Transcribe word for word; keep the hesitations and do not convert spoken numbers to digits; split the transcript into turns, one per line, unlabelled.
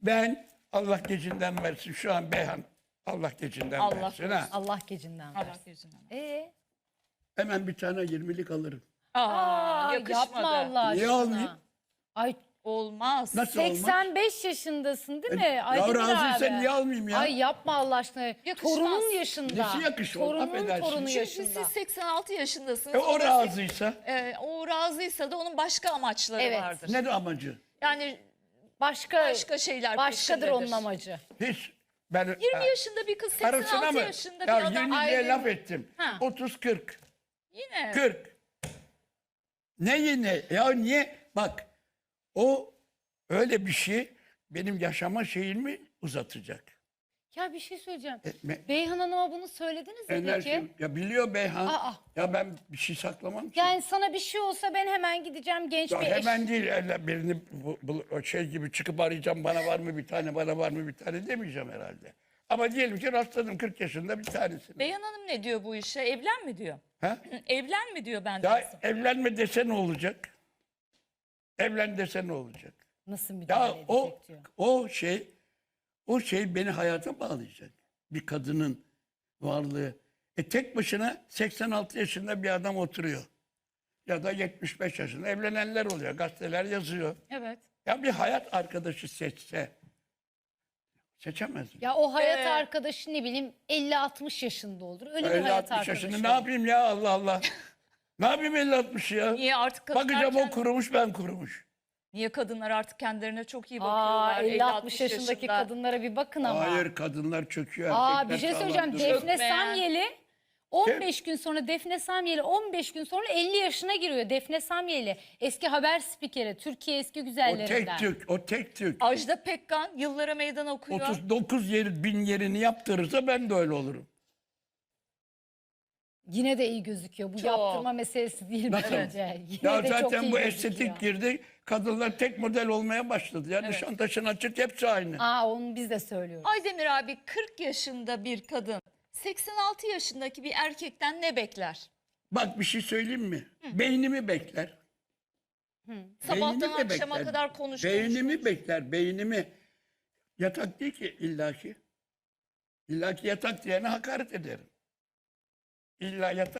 Ben Allah gecinden versin şu an Beyhan. Allah gecinden
Allah
versin ha.
Allah gecinden
Allah
versin.
gözünden.
Ee?
Hemen bir tane yirmilik alırım.
Aa,
Aa,
yakışmadı.
yapma Allah
Niye
aşkına.
olmayayım?
Ay
Olmaz.
Nasıl olmaz?
seksen beş yaşındasın değil mi?
E, ya
Aydemir
razıysan
abi.
niye almayayım ya?
Ay yapma Allah aşkına.
Yakışmaz.
Torunun yaşında.
Nesi yakışmaz?
Torunun
Affedersin.
torunu
Şimdi
Şimdi
yaşında.
siz seksen altı yaşındasınız.
E, o
da sek-
razıysa
e, o razıysa da onun başka amaçları
Evet.
vardır.
ne de amacı?
Yani
Başka,
başka şeyler
başkadır
peşindedir.
onun amacı.
Hiç. Ben,
yirmi yaşında bir kız seksen
Karısına
altı
mı?
yaşında
Ya
bir adam.
yirmi diye
Aydın-
laf ettim.
Ha.
otuz kırk.
Yine.
kırk. Ne yine? Ya niye? Bak o öyle bir şey benim yaşama şeyimi uzatacak.
Ya bir şey söyleyeceğim.
E, me-
Beyhan Hanım'a bunu söylediniz mi
enerji,
peki?
ya biliyor Beyhan.
Aa.
Ya ben bir şey saklamam ki.
Yani sana bir şey olsa ben hemen gideceğim genç
Ya
bir eş.
hemen değil öyle birini bu, bu- o şey gibi çıkıp arayacağım bana var mı bir tane bana var mı bir tane demeyeceğim herhalde. Ama diyelim ki rastladım kırk yaşında bir tanesini.
Beyhan Hanım ne diyor bu işe? Evlen mi diyor?
Ha?
Evlen mi diyor benden
Ya
sonra?
evlenme dese ne olacak? Evlen dese ne olacak?
Nasıl müdahale
Ya
edecek
o
diyor.
o şey o şey beni hayata bağlayacak. Bir kadının varlığı. E tek başına seksen altı yaşında bir adam oturuyor. Ya da yetmiş beş yaşında evlenenler oluyor. Gazeteler yazıyor.
Evet.
Ya bir hayat arkadaşı seçse seçemez mi?
Ya o hayat
Ee,
arkadaşı ne bileyim elli altmış yaşında olur. Öyle bir
elli
hayat
altmış
arkadaşı
yaşında ne
olur.
yapayım ya Allah Allah. Ne yapayım elli altmış ya?
Niye artık kadınlar
Bakacağım o
kend-
kurumuş ben kurumuş.
Niye kadınlar artık kendilerine çok iyi
Aa,
bakıyorlar?
elli altmış yaşındaki
yaşında.
kadınlara bir bakın ama.
Hayır kadınlar çöküyor.
Aa
erkekler
bir şey
sağlam
söyleyeceğim.
duruyor.
Defne
Çökmeyen.
Samyeli on beş gün sonra Defne Samyeli on beş gün sonra elli yaşına giriyor. Defne Samyeli eski haber spikeri, Türkiye eski
O
güzellerinden.
tek tük, o tek tük.
Ajda Pekkan yıllara meydan okuyor.
otuz dokuz yer, bin yerini yaptırırsa ben de öyle olurum.
Yine de iyi gözüküyor. Bu
Çok.
yaptırma meselesi değil
Nasıl?
bence. Yine
Ya
de çok
zaten
iyi
bu
gözüküyor.
estetik girdi. Kadınlar tek model olmaya başladı. Yani
Evet.
Nişantaşı'nın açık hepsi aynı.
Aa onu biz de söylüyoruz.
Aydemir abi kırk yaşında bir kadın seksen altı yaşındaki bir erkekten ne bekler?
Bak bir şey söyleyeyim mi? Beynimi bekler.
Sabahtan
Beynimi
akşama
bekler.
kadar konuş
Beynimi
konuş.
bekler, beynimi. Yatak değil ki illaki. İllaki yatak diyene hakaret ederim. İlla yatak.